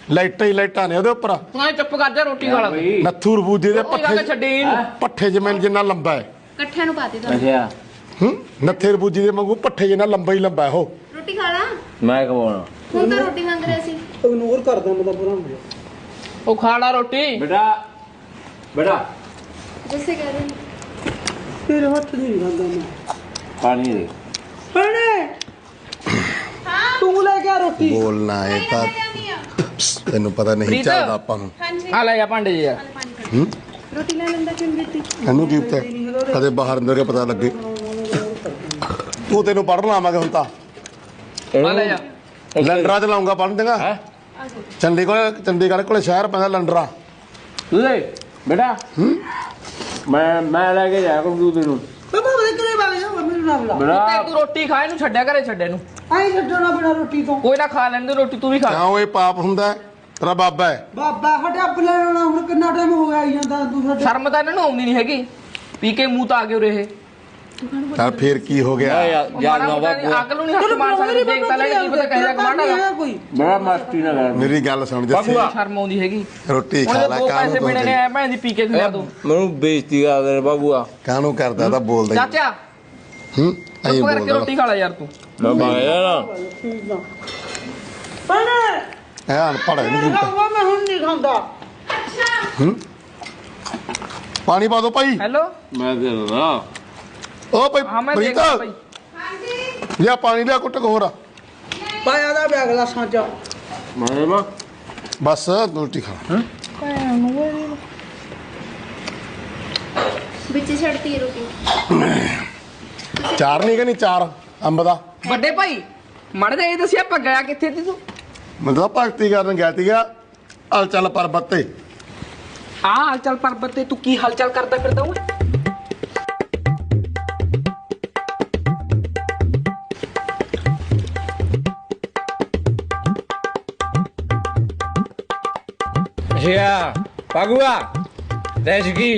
ਲਾਈਟਾਂ ਹੀ ਲਾਈਟਾਂ ਨੇ ਉਹਦੇ ਉੱਪਰ। ਤੂੰ ਚੁੱਪ ਕਰ ਜਾ ਰੋਟੀ ਖਾ ਲੈ। ਨੱਥੂ ਰਬੂਜੇ ਦੇ ਛੱਡੀ ਪੱਠੇ ਜਿਵੇਂ ਜਿੰਨਾ ਲੰਬਾ ਹੈ ਇਕੱਠਿਆਂ ਨੂੰ ਪਾ ਦੇ ਦੋ। ਅੱਛਾ ਨੱਥੇ ਰਬੂਜੇ ਦੇ ਵਾਂਗੂ ਪੱਠੇ ਜਿੰਨਾ ਲੰਬਾ ਹੀ ਲੰਬਾ ਉਹ। ਰੋਟੀ ਖਾ ਲਾ। ਮੈਂ ਖਵਾਉਣਾ ਹੁਣ ਤਾਂ ਰੋਟੀ ਮੰਗ ਰਿਹਾ ਸੀ। ਇਗਨੋਰ ਕਰਦਾ ਮੈਂ ਤਾਂ ਪੂਰਾ ਹੋ ਗਿਆ। ਉਹ ਖਾ ਲਾ ਰੋਟੀ। ਬੇਟਾ ਬੇਟਾ ਜਿਸੇ ਕਹਿ ਰਹੇ ਤੇਰੇ ਹੱਥ ਨਹੀਂ ਖਾਂਦਾ ਮੈਂ। ਪਾਣੀ ਦੇ ਭੈਣੇ ਤੂੰ ਲੈ ਕੇ ਆ ਰੋਟੀ। ਬੋਲਣਾ ਹੈ ਤਾਂ ਤੈਨੂੰ ਪਤਾ ਨਹੀਂ ਚੱਲਦਾ ਆਪਾਂ ਨੂੰ। ਹਾਂਜੀ ਆ ਲੈ ਆ ਭਾਂਡੇ ਜੀ ਯਾਰ। ਰੋਟੀ ਲੈ ਲੈਂਦਾ ਕਿਉਂ ਦਿੱਤੀ? ਇਹਨੂੰ ਕੀ ਪਤਾ ਕਦੇ ਬਾਹਰ ਅੰਦਰ ਕੇ ਪਤਾ ਲੱਗੇ। ਤੂੰ ਤੈਨੂੰ ਪੜ੍ਹਨ ਆਵਾਂਗੇ ਹੁਣ ਤਾਂ। ਆ ਲੈ ਜਾ। ਲੰਡਰਾਂ ਚ ਲਾਉਂਗਾ ਪੜ੍ਹਨ ਦੇਗਾ। ਚੰਡੀਗੜ੍ਹ ਕੋਲੇ ਸ਼ਹਿਰ ਪੈਂਦਾ ਲੰਡਰਾ। ਲੈ ਬੇਟਾ ਮੈਂ ਲੈ ਕੇ ਜਾਇਆ ਕਰੂੰ ਤੈਨੂੰ। ਬਾਬਾ ਉਹਦੇ ਘਰੇ ਵਗ ਜਾ ਮੈਨੂੰ ਨਾ ਬੁਲਾ। ਬੇਟਾ ਤੂੰ ਰੋਟੀ ਖਾ ਇਹਨੂੰ ਛੱਡਿਆ ਘਰੇ ਛੱਡੇ ਨੂੰ। ਆਈ ਛੱਡਣਾ ਬਿਨਾ ਰੋਟੀ ਤੋਂ। ਕੋਈ ਨਾ ਖਾ ਲੈਂਦੇ ਰੋਟੀ ਤੂੰ ਵੀ ਖਾ। ਕਿਉਂ ਇਹ ਪਾਪ ਹੁੰਦਾ ਹੈ? ਤੇਰਾ ਬਾਬਾ ਹੈ। ਬਾਬਾ ਸਾਡੇ ਅੱਬ ਲੈਣਾ ਹੁਣ ਕਿੰਨਾ ਟਾਈਮ ਹੋ ਗਿਆ ਆਈ ਜਾਂਦਾ ਤੂੰ ਸਾਡੇ। ਸ਼ਰਮ ਤਾਂ ਇਹਨਾਂ ਨੂੰ ਆਉਂਦੀ ਨਹੀਂ ਹੈਗੀ। ਪੀ ਕੇ ਮੂੰਹ ਤਾਂ ਆ ਗਏ ਉਰੇ ਇਹ। ਤਾਂ ਫੇਰ ਕੀ ਹੋ ਗਿਆ? ਯਾਰ ਨਵਾਂ ਅਕਲ ਨੂੰ ਨਹੀਂ ਹੱਥ ਮਾਰ ਸਕਦੇ। ਦੇਖ ਤਾਂ ਲੈ ਕੀ ਪਤਾ ਕਹਿਦਾ ਕਮਾਂਡਾ ਦਾ। ਕੋਈ ਬੜਾ ਮਸਤੀ ਨਾ ਕਰ। ਮੇਰੀ ਗੱਲ ਸੁਣ ਜੱਸੀ। ਸ਼ਰਮ ਆਉਂਦੀ ਹੈਗੀ। ਰੋਟੀ ਹੁਣ ਖਾ ਲੈ ਦੋ ਪੈਸੇ ਕਾਹਨੂੰ ਮਿਲਣੇ ਨੇ ਐ ਭੈਣ ਦੀ ਪੀ ਕੇ ਖਿਲਾ ਦੋ। ਮੈਨੂੰ ਬੇਇੱਜ਼ਤੀ ਕਰਦੇ ਨੇ ਬਾਬੂਆ। ਕਾਹਨੂੰ ਕਰਦਾ ਤਾਂ ਬੋਲਦਾ ਹੀ। ਚਾਚਾ ਐਂ ਚੁੱਪ ਕਰਕੇ ਬੋਲਦਾ ਰੋਟੀ ਖਾ ਲੈ ਯਾਰ ਤੂੰ। ਮੈਂ ਬਾਇਆ ਨਾ ਭੈਣੇ ਐ ਅਨਪੜ੍ਹ ਹੈ ਨਹੀਂ ਖਾਊਗਾ ਮੈਂ ਹੁਣ ਨਹੀਂ ਖਾਂਦਾ। ਪਾਣੀ ਪਾ ਦੋ ਭਾਈ। ਹੈਲੋ ਮੈਂ ਦੇ ਦਦਾ ਉਹ ਭਾਈ ਹਾਂ ਮੈਂ ਪ੍ਰੀਤ ਦੇਖਦਾ ਭਾਈ। ਲਿਆ ਪਾਣੀ ਲਿਆ ਕੁੱਟ ਹੋਰ। ਪਾਇਆ ਦਾ ਬੈਗ ਗਲਾਸਾਂ ਚ। ਮੈਂ ਬਸ ਰੋਟੀ ਖਾ। ਵਿੱਚ ਛੱਡਤੀ ਹੈ ਰੋਟੀ। ਚਾਰ ਨਹੀਂ ਕਿ ਨਹੀਂ ਚਾਰ ਅੰਬ ਦਾ। ਵੱਡੇ ਭਾਈ ਮੜ ਜਾ ਇਹ ਦੱਸਿਆ ਆਪਾਂ ਗਿਆ ਕਿੱਥੇ ਸੀ ਤੂੰ? ਮਤਲਬ ਭਗਤੀ ਕਰਨ ਗਿਆ ਸੀਗਾ ਹਲਚਲ ਪਰਬਤ ਤੇ। ਆ ਹਲਚਲ ਪਰਬਤ ਤੇ ਤੂੰ ਕੀ ਹਲਚਲ ਕਰਦਾ ਫਿਰਦਾ ਓਏ? ਅੱਛਾ ਬਾਬੂਆ ਦੇਸ਼ ਕੀ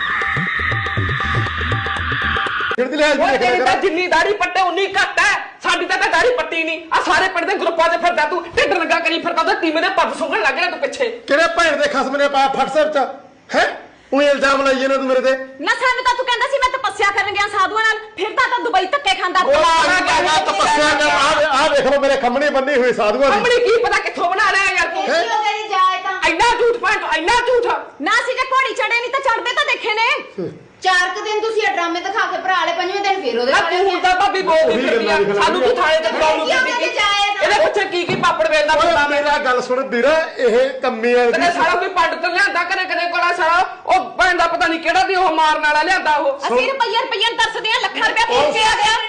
ਤੇਰੀ ਤਾਂ ਜਿੰਨੀ ਦਾੜੀ ਪੱਟੇ ਉਨੀ ਘੱਟ ਹੈ। ਸਾਡੀ ਤਾਂ ਦਾੜੀ ਪੱਟੀ ਨਹੀਂ। ਆ ਸਾਰੇ ਪਿੰਡ ਦੇ ਗਰੁੱਪਾਂ 'ਚ ਫਿਰਦਾ ਤੂੰ। ਢਿੱਡ ਲੱਗਾ ਕਰੀ ਫਿਰਦਾ ਤੇ ਟੀਮੇ ਦੇ ਪੱਗ ਸੁੰਘਣ ਲੱਗ ਗਿਆ ਤੂੰ ਪਿੱਛੇ। ਕਿਹੜੇ ਭੈਣ ਦੇ ਖਸਮ ਨੇ ਪਾਇਆ ਫਟ ਸਿਰ ਚ ਹੈ? ਉਹ ਇਲਜ਼ਾਮ ਲਾਈ ਜਾਂਦਾ ਤੂੰ ਮੇਰੇ ਤੇ। ਨਾ ਸਾਨੂੰ ਤਾਂ ਤੂੰ ਕਹਿੰਦਾ ਸੀ ਮੈਂ ਤਪੱਸਿਆ ਕਰਨ ਗਿਆ ਸਾਧੂਆਂ ਨਾਲ। ਫਿਰਦਾ ਤਾਂ ਦੁਬਈ ਧੱਕੇ ਖਾਂਦਾ। ਤਪੱਸਿਆ ਕਰ। ਆਹ ਦੇਖ ਲਓ ਮੇਰੇ ਖੰਮਣੇ ਬੰਨੇ ਹੋਏ ਸਾਧੂਆਂ ਦੀ। ਕੰਮਣੀ ਕੀ ਪਤਾ ਕਿੱਥੋਂ ਬਣਾ ਲਿਆ ਯਾਰ ਤੂੰ। ਤੇਰੀ ਜਾਏ ਤਾਂ ਇੰਨਾ ਝੂਠ ਪਾਇਆ ਇੰਨਾ ਝੂਠ। ਨਾ ਸੀ ਜੇ ਘੋੜੀ ਚੜੇ ਨਹੀਂ ਤਾਂ ਚੜਦੇ ਤਾਂ ਦੇਖੇ ਨੇ। 4 ਦਿਨ ਤੁਸੀਂ ਇਹ ਡਰਾਮੇ ਦਿਖਾ ਕੇ ਭਰਾ ਲੈ, 5ਵੇਂ ਦਿਨ ਫੇਰ ਉਹਦੇ ਨਾ ਤੂੰ ਹੁਣ ਤਾਂ ਭਾਬੀ ਬੋਲਦੀ ਫਿਰਦੀ ਆ। ਸਾਨੂੰ ਤੂੰ ਥਾਣੇ ਤੇ ਬੁਲਾਉਣ ਨੂੰ ਫਿਰਦੀ ਸੀ। ਇਹਦੇ ਪਿੱਛੇ ਕੀ ਪਾਪੜ ਵੇਲਦਾ ਫਿਰਦਾ ਮੈਂ। ਮੇਰਾ ਗੱਲ ਸੁਣ ਵੀਰਾ ਇਹ ਕੰਮੀ ਆ ਕਦੇ ਸਾਰਾ ਕੋਈ ਪੰਡ ਤੋਂ ਲਿਆਂਦਾ ਕਦੇ ਕੋਲਾ ਸਾਰਾ ਉਹ ਭੈਣ ਦਾ ਪਤਾ ਨਹੀਂ ਕਿਹੜਾ ਦੀ ਉਹ ਮਾਰਨ ਵਾਲਾ ਲਿਆਂਦਾ ਉਹ। ਅਸੀਂ ਰੁਪਈਆ ਤਰਸਦੇ ਆ ਲੱਖਾਂ ਰੁਪਇਆ ਫੇਰ ਕੇ ਆ ਗਿਆ।